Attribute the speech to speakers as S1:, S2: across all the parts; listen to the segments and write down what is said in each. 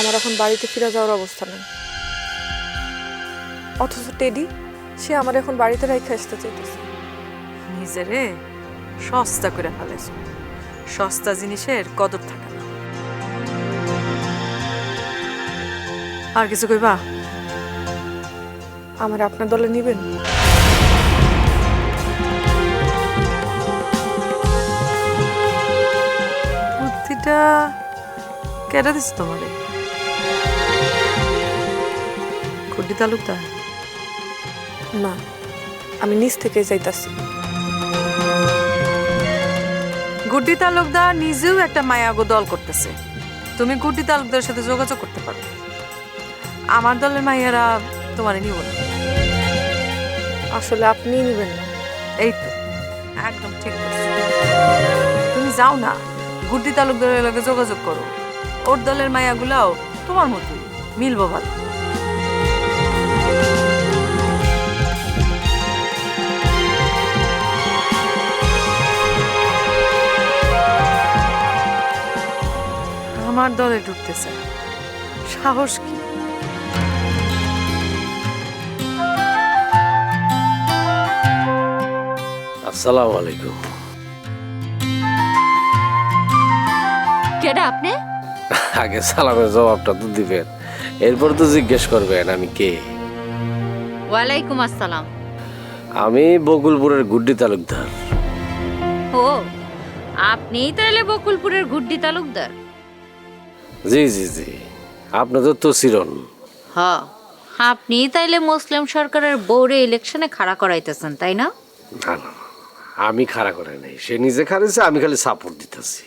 S1: আমার এখন বাড়িতে ফিরে যাওয়ার অবস্থা নেই। অথচ টেডি সে আমার এখন বাড়িতে রাইখা আসতে চাইতেছে।
S2: নিজেরে সস্তা করে ফেলেছ, সস্তা জিনিসের কদর থাকে না। আর কিছু কইবা?
S1: আমার আপনার দলে নিবেন?
S2: বুদ্ধিটা কেটে দিস তোমারে? গুড্ডি তালুকদার?
S1: না, আমি নিজ থেকে যাইতাছি।
S2: গুড্ডি তালুকদার নিজেও একটা মায়াগো দল করতেছে, তুমি গুড্ডি তালুকদারের সাথে যোগাযোগ করতে পারো। আমার দলের মাইয়ারা তোমারে নিব না।
S1: আসলে আপনিই নিবেন না?
S2: এই তো একদম ঠিক বলছো। তুমি যাও না, গুড্ডি তালুকদারের লগে যোগাযোগ করো। ওর দলের মায়াগুলাও তোমার মতোই, মিলবো ভালো। আমার দলে ঢুকতে চায়, সাহস কি?
S3: আসসালামু আলাইকুম।
S4: কেডা আপনি?
S3: আগে সালামের জবাবটা তো দিবেন, এরপর তো জিজ্ঞেস করবেন আমি কে।
S4: ওয়ালাইকুম আসসালাম।
S3: আমি বকুলপুরের গুড্ডি তালুকদার।
S4: ও, আপনিই তাহলে বকুলপুরের গুড্ডি তালুকদার?
S3: জি জি জি, আপনি তো তসিরন।
S4: হ, আপনিই তাইলে মুসলিম সরকারের বোর্ডে ইলেকশনে খাড়া করাইতেছেন, তাই না?
S3: না না, আমি খাড়া করে নাই, সে নিজে খাড়িছে, আমি খালি সাপোর্ট দিতেছি।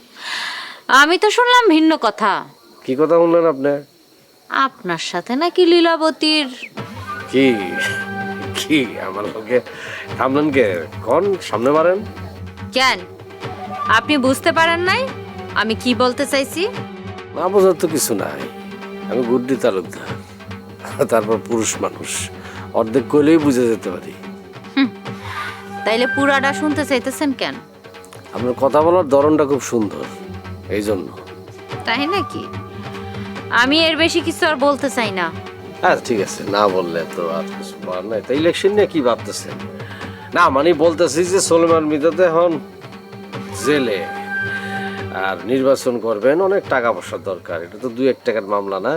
S4: আমি তো শুনলাম ভিন্ন কথা।
S3: কি কথা বললেন আপনি?
S4: আপনার সাথে নাকি লীলাবতীর?
S3: কি কি আমার লোকে থামলেন কে? কোন সামনে মারেন?
S4: কেন, আপনি বুঝতে পারেন নাই আমি কি বলতে চাইছি?
S3: না বোঝার তো কিছু নাই, আমি গুড্ডি তালুকদার, তারপর পুরুষ মানুষ, অর্ধেক কইলেই বুঝে যেতে পারি।
S4: তাইলে পুরাটা শুনতে চাইতেছেন কেন?
S3: আপনার কথা বলার ধরনটা খুব সুন্দর, এই জন্য।
S4: তাই নাকি? আমি এর বেশি কিছু আর বলতে চাই না।
S3: হ্যাঁ ঠিক আছে, না বললে তো আর কিছু বলার নাই। তা ইলেকশন নিয়ে কি ভাবতেছেন? না মানে বলতেছি যে সোলেমান মৃধাতে এখন জেলে, আর নির্বাচন করবেন, অনেক টাকা পয়সার দরকার, এটা তো 2-1 টাকার মামলা না।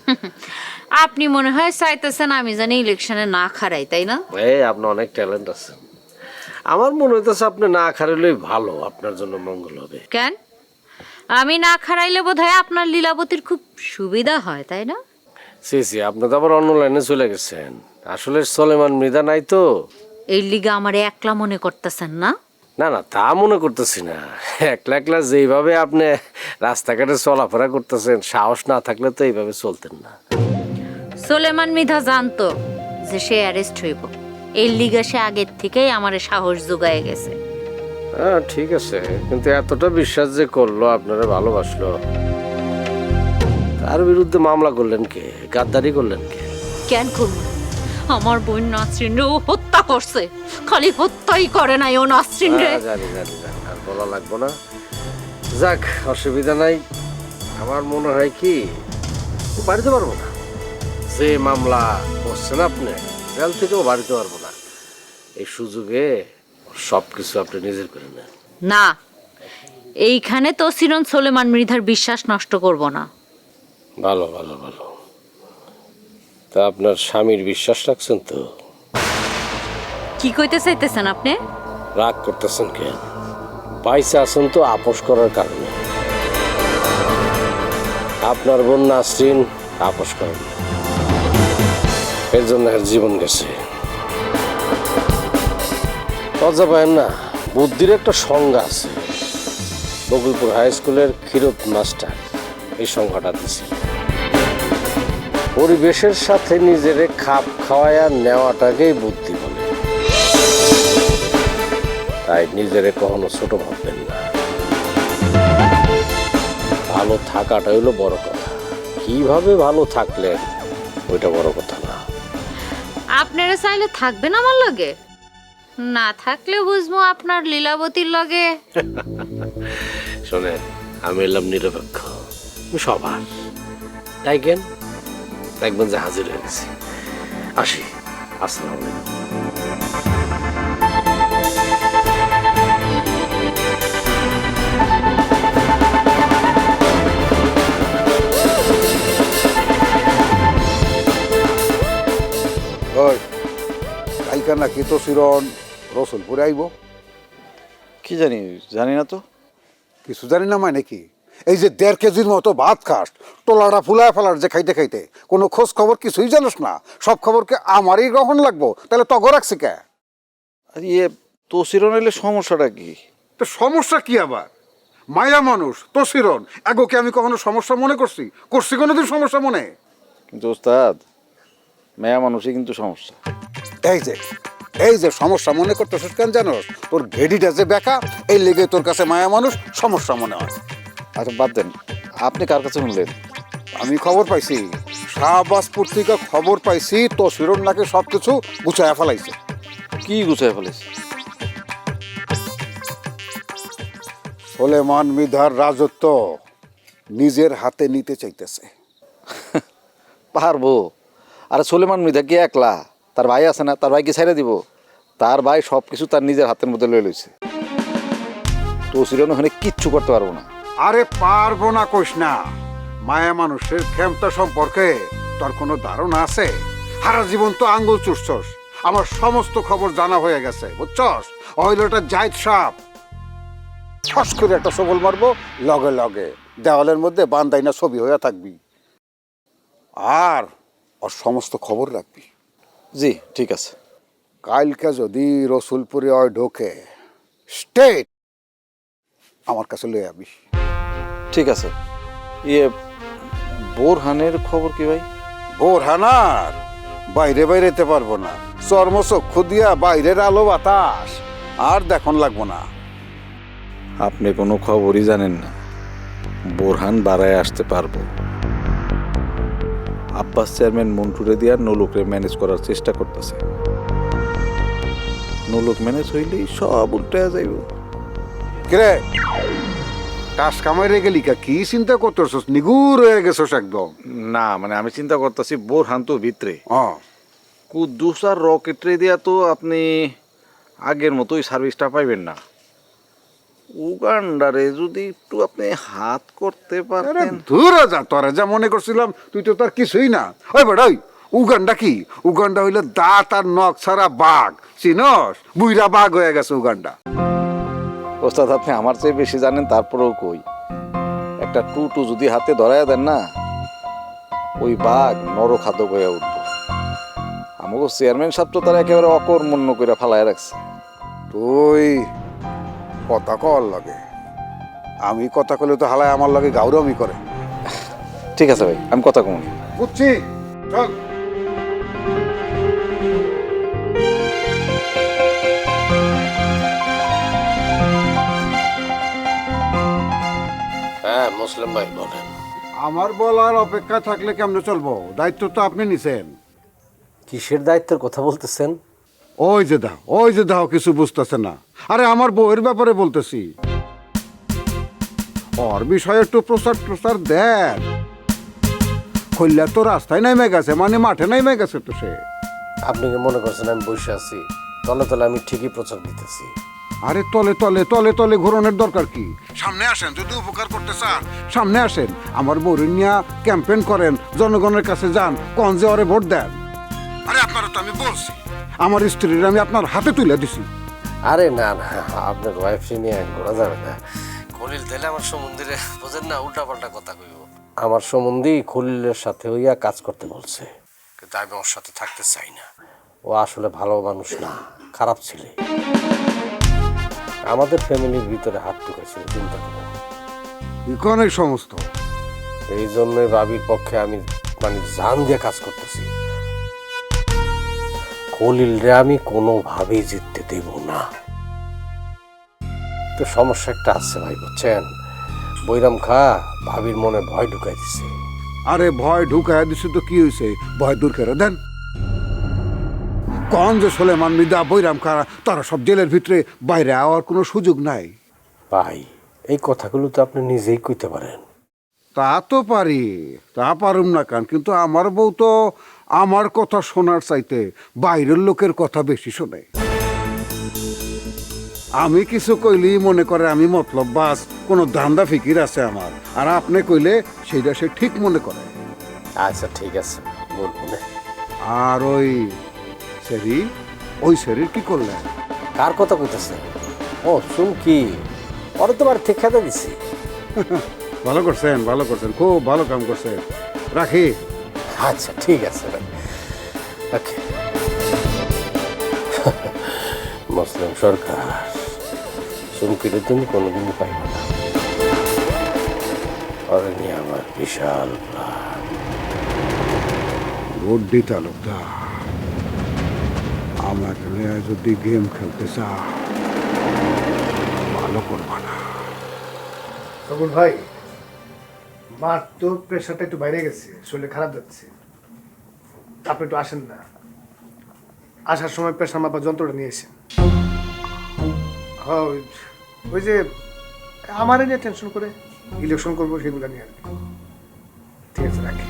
S4: আপনি মনে হয় চাইতেছেন আমি জানি ইলেকশনে না খারাই, তাই না?
S3: এই আপনার অনেক ট্যালেন্ট আছে, আমার মনে হইতেছে আপনি না খারাইলেই ভালো, আপনার জন্য মঙ্গল হবে।
S4: কেন, আমি না খারাইলে বোধহয় আপনার লীলাবতীর খুব সুবিধা হয়, তাই না?
S3: সি সি, আপনি তো আবার অন্য লাইনে চলে গেছেন। আসলে সোলেমান মৃধা নাই তো।
S4: এই লিগা আমার একলা মনে করতেছেন না?
S3: না না, তা মনে করতেছি না, একলা একলা যেইভাবে আপনি রাস্তাঘাটে চলাফেরা করতেছেন, সাহস না থাকলে তো এইভাবে চলতেন না।
S4: সোলেমান মৃধা জানতো যে সে অ্যারেস্ট হইব, এই লিগা সে আগের থেকেই আমারে সাহস জোগায় গেছে।
S3: হ্যাঁ ঠিক আছে, কিন্তু এতটা বিশ্বাস যে করলো, আপনারা ভালোবাসলো, তার বিরুদ্ধে মামলা করলেন কে? গাদ্দারি করলেন কে?
S4: কেন করব? আমার বোন নাসরিন রে ও হত্যা করছে। খালি হত্যাই করে নাই, ও নাসরিন রে।
S3: জানি জানি জানি, আর বলা লাগবো না। যাক, অসুবিধা নাই। আমার মনে হয় কি বাড়িতে পারবো না, যে মামলা করছেন আপনি, জেল থেকেও বাড়িতে পারবো না। এই সুযোগে সবকিছু আপনি নিজের করে নেন।
S4: না, এইখানে তো সিরন সোলেমান মৃধার বিশ্বাস নষ্ট করব না।
S3: ভালো ভালো ভালো, তা আপনার স্বামীর বিশ্বাস রাখছেন তো?
S4: কি কইতে চাইতেছেন আপনি?
S3: রাগ করতেছেন কেন? পয়সা আছেন তো আপোষ করার কারণে। আপনার বোন নাসরিন আপোষ করেন, এর জন্য এর জীবন গেছে। লজ্জা পায়েন না, বুদ্ধির একটা সংজ্ঞা আছে। বকুলপুর হাই স্কুলের ক্ষীরোদ মাস্টার এই সংজ্ঞাটা দিছে, পরিবেশের সাথে নিজেরে খাপ খাওয়ায়া নেওয়াটাকেই বুদ্ধি বলে। তাই নিজেরে কখনো ছোট ভাববেন না। ভালো থাকাটা হলো বড় কথা, কিভাবে ভালো থাকলেন ওইটা বড় কথা না।
S4: আপনারা চাইলে থাকবেন আমার লগে, না থাকলে বুঝবো আপনার লীলাবতীর লগে।
S3: শোনেন, আমি এলাম নিরপেক্ষ, আমি সবার। ডাইকেন, দেখবেন যে হাজির হয়ে গেছি। আসি, আসসালামু আলাইকুম।
S5: ওই কালকা নাকি তো শিরন রসুলপুরে আইব?
S6: কি জানি, জানি না তো।
S5: কিছু জানি না মানে কি? এই যে 1.5 কেজির মতো ভাত খাস, টোলাটা ফুলায় ফেলার যে খাইতে খাইতে কোনো খোঁজ খবর কিছুই জানিস না, সব খবরকে আমারই গ্রহণ লাগবো, তাহলে তগ রাখছি কে?
S6: আর তসির এলে সমস্যাটা কি?
S5: তো সমস্যা কি আবার? মায়া মানুষ তসিরন এগোকে আমি কখনো সমস্যা মনে করছি? কোনোদিন সমস্যা মনে?
S6: কিন্তু ওস্তাদ, মেয়া মানুষই কিন্তু সমস্যা।
S5: এই যে সমস্যা মনে করতেছিস কেন জানোস? তোর ঘেডিটা যে বেকা, এই লেগে তোর কাছে মায়া মানুষ সমস্যা মনে হয়।
S6: আচ্ছা বাদ দেন, আপনি কার কাছে শুনলেন?
S5: আমি খবর পাইছি, শাহবাজ পত্রিকা খবর পাইছি তসিরন নাকি সবকিছু গুছাইয়া ফেলাইছে।
S6: কি গুছাই ফেলেছে?
S5: সোলেমান মৃধার রাজত্ব নিজের হাতে নিতে চাইতেছে।
S6: পারবো? আরে সুলেমান মৃধা কি একলা? তার ভাই আছে না? তার ভাই কি ছেড়ে দিব? তার ভাই সব কিছু তার নিজের হাতের মধ্যে লয়ে লইছে। তসিরন ওখানে কিচ্ছু করতে পারবো না।
S5: আরে পারবো না কইস না। মায়া মানুষের ক্ষমতা সম্পর্কে তোর কোনো ধারণা আছে? সারা জীবন তো আঙ্গুল চুষছস, আমার সমস্ত খবর জানা হয়ে গেছে, বুঝছস? ওইলোটা জাহিদ সাপ ছস করে একটা সবল মারবো, লগে লগে দেওয়ালের মধ্যে বান্দাইনা ছবি হয়ে থাকবি, আর ওর সমস্ত খবর রাখবি।
S6: জি ঠিক আছে।
S5: কালকে যদি রসুলপুরে ওই ঢোকে, স্টেট আমার কাছে লয়ে আবি।
S6: ঠিক আছে। বোরহানের খবর কি ভাই?
S5: বোরহানার বাইরে বাইরেতে পারবো না, চর্মচক্ষু দিয়া বাইরের আলো বাতাস আর দেখুন লাগবো না।
S6: আপনি কোনো খবরই জানেন না। বোরহান বাড়ায় আসতে পারবো। আব্বাস চেয়ারম্যান মন্টুরে দিয়ে নলুকরে ম্যানেজ করার চেষ্টা করতেছে। নলুক ম্যানেজ হইলেই সব উল্টে যাইব।
S5: কিরে টাস কামাইরে গেলি কা? কি চিন্তা করতেছস? নিগুর হয়ে গেছস একদম।
S6: না মানে আমি চিন্তা করতেছি বোরহান তো ভিতরে,
S5: হ্যাঁ
S6: কুদ্দুস আর রকেটরে দিয়া তো আপনি আগের মতোই সার্ভিসটা পাইবেন না। উগান্ডারে যদি একটু আপনি হাত করতে পারতেন।
S5: দূরে যা, তোরা যা মনে করছিলাম তুই তো তার কিছুই না। ওই বেটা ওই উগান্ডা কি? উগান্ডা হইলে দাঁত আর নখ ছাড়া বাঘ, চিনস? বুইরা বাঘ হয়ে গেছে উগান্ডা।
S6: ওস্তাদ আপনি আমার চেয়ে বেশি জানেন, তারপরেও কই একটা টুটু যদি হাতে ধরাইয়া দেন না, ওই বাঘ নরখাদ্য হয়ে উঠবো। আমাকে চেয়ারম্যান সাহেব তো তারা একেবারে অকর্মণ্য করে ফালায় রাখছে।
S5: তুই কথা কর লাগে, আমি কথা কলে তো হালায় আমার লাগে গাউরমি করে।
S6: ঠিক আছে ভাই, আমি কথা কম।
S5: বুঝছি, চল।
S3: হ্যাঁ মুসলিম ভাই বলেন।
S5: আমার বলার অপেক্ষা থাকলে কেমনে চলবো? দায়িত্ব তো আপনি নিছেন।
S3: কিসের দায়িত্বের কথা বলতেছেন?
S5: ওই যে দাও কিছু বুঝতেছে না। আরে আমার বউয়ের ব্যাপারে বলতেছি। ওর বিষয়ে একটু প্রচার দেন। কল্যাণ তো রাস্তায় নামে গেছে, মানে মাঠে নামে গেছে তো সে।
S3: আপনি কি মনে করছেন আমি বসে আছি? তলে তলে আমি ঠিকই প্রচার দিতেছি।
S5: আরে তলে ঘোরানোর দরকার কি? সামনে আসেন, যদি উপকার করতে চান সামনে আসেন। আমার বউরে নিয়ে ক্যাম্পেইন করেন, জনগণের কাছে যান, কোন যে ওরে ভোট দেন। আরে আপনারা তো আমি বলছি, আমার স্ত্রীর আমি আপনার হাতে তুলে দিছি।
S3: আরে না না, আপনার ওয়াইফ নিয়ে ঘোরা যাবে না। খলিল তাইলে আমার সম্বন্ধে বোঝেন না, উল্টাপাল্টা কথা কইব। আমার সম্বন্ধে খলিলের সাথে হইয়া কাজ করতে বলছে, কিন্তু আমি ওর সাথে থাকতে চাই না। ও আসলে ভালো মানুষ না, খারাপ ছেলে। আমাদের ফ্যামিলির ভিতরে হাত ঢুকেছিল, চিন্তা করেন।
S5: অনেক সমস্ত
S3: এই জন্যই ভাবির পক্ষে আমি মানে জান দিয়ে কাজ করতেছি। খলিলরে আমি কোনোভাবেই জিততে দেব না। তো সমস্যা একটা আছে ভাই, বুঝছেন? বৈরাম খা ভাবির মনে ভয় ঢুকাই দিছে।
S5: আরে ভয় ঢুকায় দিছে তো কি হয়েছে? ভয় দূর করে দেন। কোন যে সোলেমান মৃধা, বৈরাম খারা, তারা সব জেলের ভিতরে, বাইরে আওয়ার কোনো সুযোগ নাই।
S3: ভাই এই কথাগুলো তো আপনি নিজেই কইতে পারেন।
S5: তা তো পারি, তা পারুম না কেন, কিন্তু আমার বউ তো আমার কথা শোনার চাইতে বাইরের লোকের কথা বেশি শোনে। আমি কিছু কইলেই মনে করে আমি মতলব বাস, কোনো ধান্দা ফিকির আছে আমার, আর আপনি কইলে সেইটা সে ঠিক মনে করে।
S3: আচ্ছা ঠিক আছে, বলবো না।
S5: আর ওই সেরির কি করলেন?
S3: কার কথা কইতেছে? ও চুমকি, ওরা তো বাড়ি থেকে খেতে দিছি।
S5: ভালো করছেন, ভালো করছেন, খুব ভালো কাম করছেন। রাখি।
S3: আচ্ছা ঠিক আছে, ওকে। মুসলিম সরকার চুমকির তুমি কোনোদিন পাইব না। ওরা নিয়ে আমার বিশাল প্ল্যান।
S5: গুড্ডি তালুকদার, আমাকে নিয়ে যদি গেম খেলতে চাও ভালো করবা না।
S7: সবুল ভাই, মার তো প্রেশারটা একটু বাইরে গেছে, শরীরে খারাপ যাচ্ছে। আপনি একটু আসেন না, আসার সময় প্রেশার মাপার যন্ত্রটা নিয়ে এসেন। হ্যাঁ, ওই যে আমার নিয়ে টেনশন করে ইলেকশন করবো সেগুলো নিয়ে আসবে। ঠিক আছে, রাখি।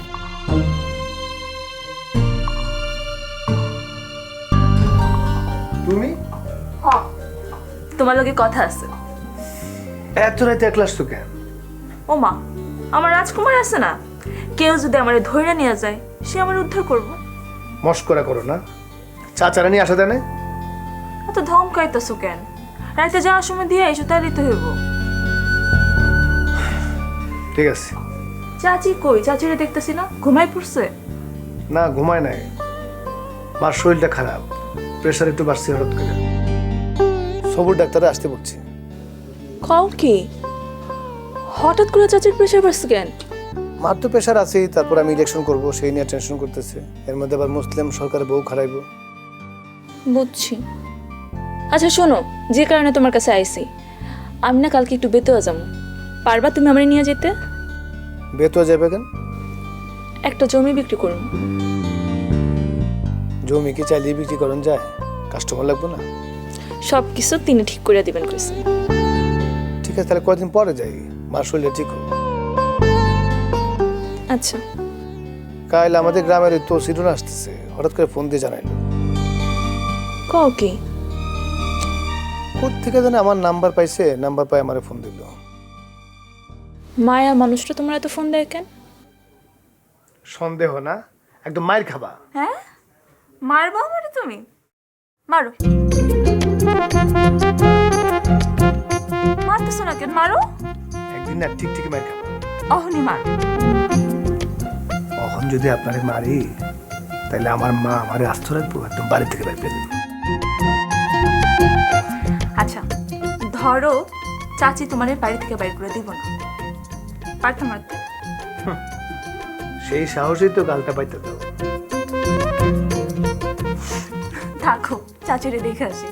S7: তুমি
S8: তোমার লগে কথা আছে।
S7: এত রাতে একলা আসছো কেন?
S8: ও মা, আমার রাজকুমার আছে না, কেউ যদি আমার ধৈর্য নিয়ে যায় সে আমার উদ্ধার করবো।
S7: মস্করা করো না, চাচারা নিয়ে আসা দেয় না?
S8: এত ধমকাইতেছো কেন? রাতে যাওয়ার সময় দিয়ে এসো, তাই দিতে হইব।
S7: ঠিক আছে।
S8: চাচি কই? চাচিরে দেখতেছি না, ঘুমাই পড়ছে।
S7: না, ঘুমায় নাই, মার শরীরটা খারাপ, প্রেশার একটু বাড়ছে হঠাৎ করে। সবুর ডাক্তারে আসতে বলছে।
S8: খাও কি হঠাৎ করে চাচির প্রেশার বাড়ছে কেন?
S7: মার তো প্রেশার আছেই, তারপর আমি ইলেকশন করব সেই নিয়ে টেনশন করতেছে। এর মধ্যে আবার মুসলিম সরকারের বউ খারাইব।
S8: বুঝছি। আচ্ছা শোনো, যে কারণে তোমার কাছে আইছি, আমি না কালকে একটু বেতোয়া যাবো, পারবা তুমি আমার নিয়ে যেতে?
S7: বেতোয়া যাবে কেন?
S8: একটা জমি বিক্রি করুন।
S7: জমি কি চাইলে বিক্রি করেন যায়? কাস্টমার লাগবে না?
S8: সব কিছু তিনি ঠিক করে দিবেন কইছে।
S7: ঠিক আছে, তাহলে কয়েকদিন পরে যাই, মার শরীরটা ঠিক হোক।
S8: আচ্ছা।
S7: কাল আমাদের গ্রামের তো সিরুন আসতেছে, হঠাৎ করে ফোন দিয়ে জানাইলো।
S8: কও কি?
S7: কোথা থেকে জানে আমার নাম্বার পাইছে, নাম্বার পাই আমারে ফোন দিল।
S8: মায়া মানুষটা তোমার এত ফোন দেয় কেন?
S7: সন্দেহ না, একদম মায়ের খাবা।
S8: হ্যাঁ, মারবো আমারে তুমি? মারো। মারতেছো না কেন? মারো।
S7: একদিন না ঠিক ঠিক মায়ের খাবা।
S8: অহনি মারো।
S7: কখন যদি আপনারে মারি, তাহলে আমার মা আমারে আস্ত রাখবো, একদম বাড়ি থেকে বের করে দেবো।
S8: আচ্ছা ধরো চাচি তোমার বাড়ি থেকে বাইর করে দিব না, পারতে মারতে?
S7: সেই সাহসই তো গালটা পাইতে দাও।
S8: থাকো, চাচিরে দেখে আসি।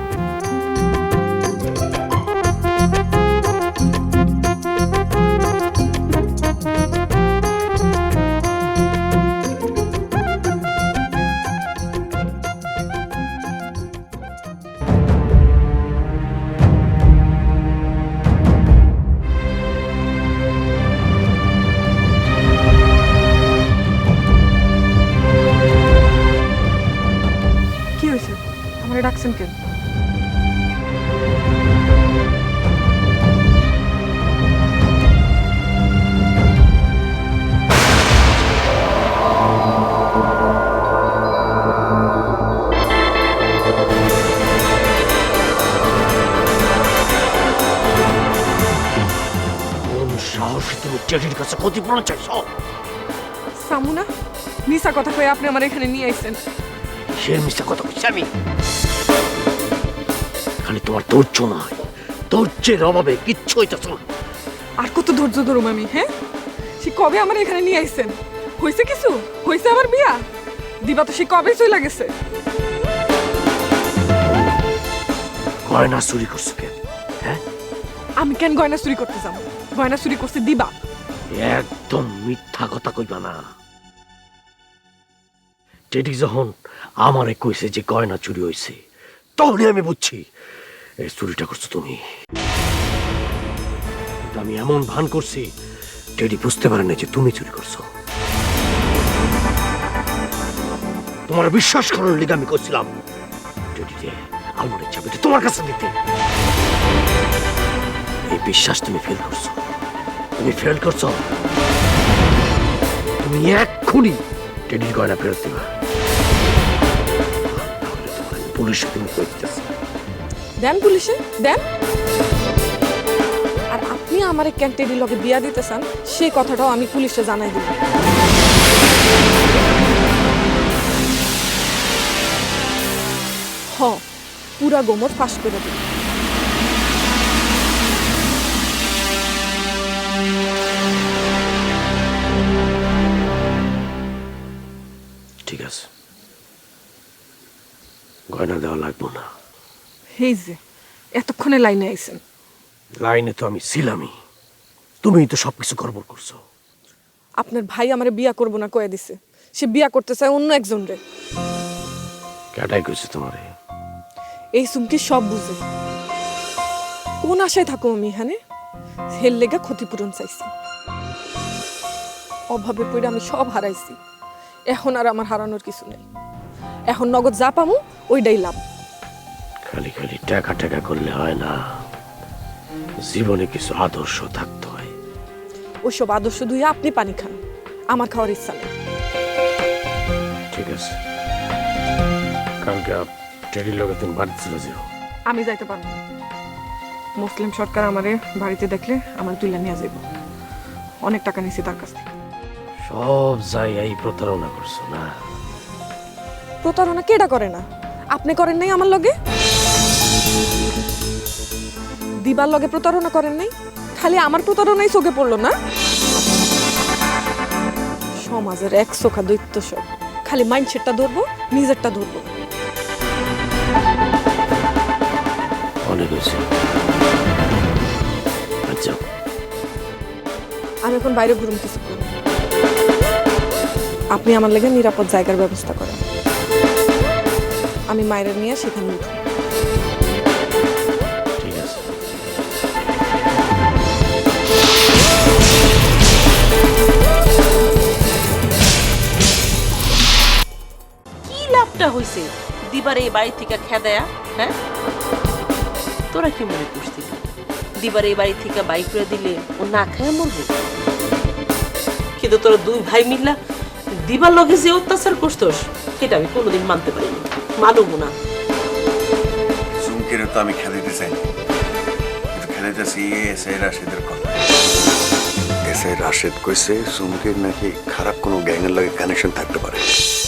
S1: কি হয়েছে? আমার ডাকছেন কেন?
S3: সাহসী তুমি টেডির কাছে ক্ষতিপূরণ চাইছো?
S1: সামুনা, মিশা কথা কয়ে আপনি আমার এখানে নিয়ে আইছেন।
S3: সে মিথ্যা কথা বলছি আমি? এখানে তোমার ধৈর্য নয়, ধৈর্যের অভাবে কিচ্ছু হইতেছ না।
S1: আর কত ধৈর্য ধরুম আমি? হ্যাঁ, সে কবে আমার এখানে নিয়ে আইছেন? হয়েছে কিছু? হয়েছে আমার বিয়া? দিবা তো সে কবে চলে গেছে।
S3: গয়না চুরি করছো কেন? হ্যাঁ,
S1: আমি কেন গয়না চুরি করতে যাবো? গয়না চুরি করছে দিবা।
S3: একদম মিথ্যা কথা কইবা না। টেডি যখন আমারে কইছে যে গয়না চুরি হয়েছে, তখনই আমি বুঝছি এই চুরিটা করছো তুমি। কিন্তু আমি এমন ভান করছি টেডি বুঝতে পারে না যে তুমি চুরি করছো। তোমার বিশ্বাস করার লিগে আমি করছিলাম টেডিকে আলমারির চাবিটা তোমার কাছে দিতে। এই বিশ্বাস তুমি ফেল করছো, তুমি ফেল করছো। তুমি এক্ষুনি টেডির গয়না ফেরত দিবা, তাহলে তোমার পুলিশে তুমি কই দিতেছ।
S1: দেন পুলিশে দেন। আর আপনি আমার ক্যান্টেডি লগে বিয়া দিতে চান সেই কথাটাও আমি পুলিশে জানাই দিব। হ, পুরা গোমর ফাঁস করে দিন।
S3: ঠিক আছে, গয়না দেওয়া লাগবো না।
S1: এই যে এতক্ষণে লাইনে আইছেন।
S3: লাইনে তো আমি ছিলামই, তুমিই তো সবকিছু গড়বড় করছো।
S1: আপনার ভাই আমারে বিয়া করবো না কয়ে দিছে, সে বিয়া করতে চায় অন্য একজন রে।
S3: কেটাই কইছে তোমারে?
S1: এই সুমকি সব বুঝে। কোন আশায় থাকো আমি এখানে? হেল লেগা ক্ষতিপূরণ চাইছি। অভাবে পড়ে আমি সব হারাইছি, এখন আর আমার হারানোর কিছু নেই। এখন নগদ যা পামু ওইটাই লাভ।
S3: খালি খালি টাকা টাকা করলে হয় না, জীবনে কিছু আদর্শ থাকতে হয়।
S1: ওইসব আদর্শ ধুয়ে আপনি পানি খান, আমার খাওয়ার ইচ্ছা নেই।
S3: ঠিক আছে, কালকে টেডির লগে তুমি বাড়িতে চলে যাও।
S1: আমি যাইতে পারবো না। মুসলিম সরকার আমারে বাড়িতে দেখলে আমার তুলে নিয়ে যাইব। অনেক টাকা নিছি তার কাছ থেকে।
S3: সব জায়গায় প্রতারণা করছো না?
S1: প্রতারণা কেডা করে না? আপনি করেন নাই আমার লগে? দিবার লগে প্রতারণা করেন নাই? খালি আমার প্রতারণাই চোখে পড়লো না? সমাজের এক চোখা দৈত্য সব, খালি মাইন্ডসেটটা ধরবো, নিজেরটা ধরবো।
S3: অনেক হয়েছে, আচ্ছা
S1: আমি এখন বাইরে ঘুরুম কিছুক্ষণ। আপনি আমার লেগে নিরাপদ জায়গার ব্যবস্থা করেন, আমি মায়ের নিয়ে সেখানে উঠব।
S3: ঠিক আছে।
S9: কি লাভটা হইছে দিবার এই বাড়ি থেকে খেদায়া? হ্যাঁ, তোরা কি মনে করছিস দিবার এই বাড়ি থেকে বাইক করে দিলে ও না খায় মরবে? কিন্তু তোরা দুই ভাই মিল্লা দিবার লগে যে অত্যাচার করছস সেটা আমি কোনোদিন মানতে পারিনি, মানবো না।
S10: চুমকির তো আমি খেলাইতে চাই, কিন্তু খেলাইতেছি এসআই রাশেদের কথা। এসআই রাশেদ কইছে চুমকির নাকি খারাপ কোনো গ্যাংয়ের লগে কানেকশন থাকতে পারে।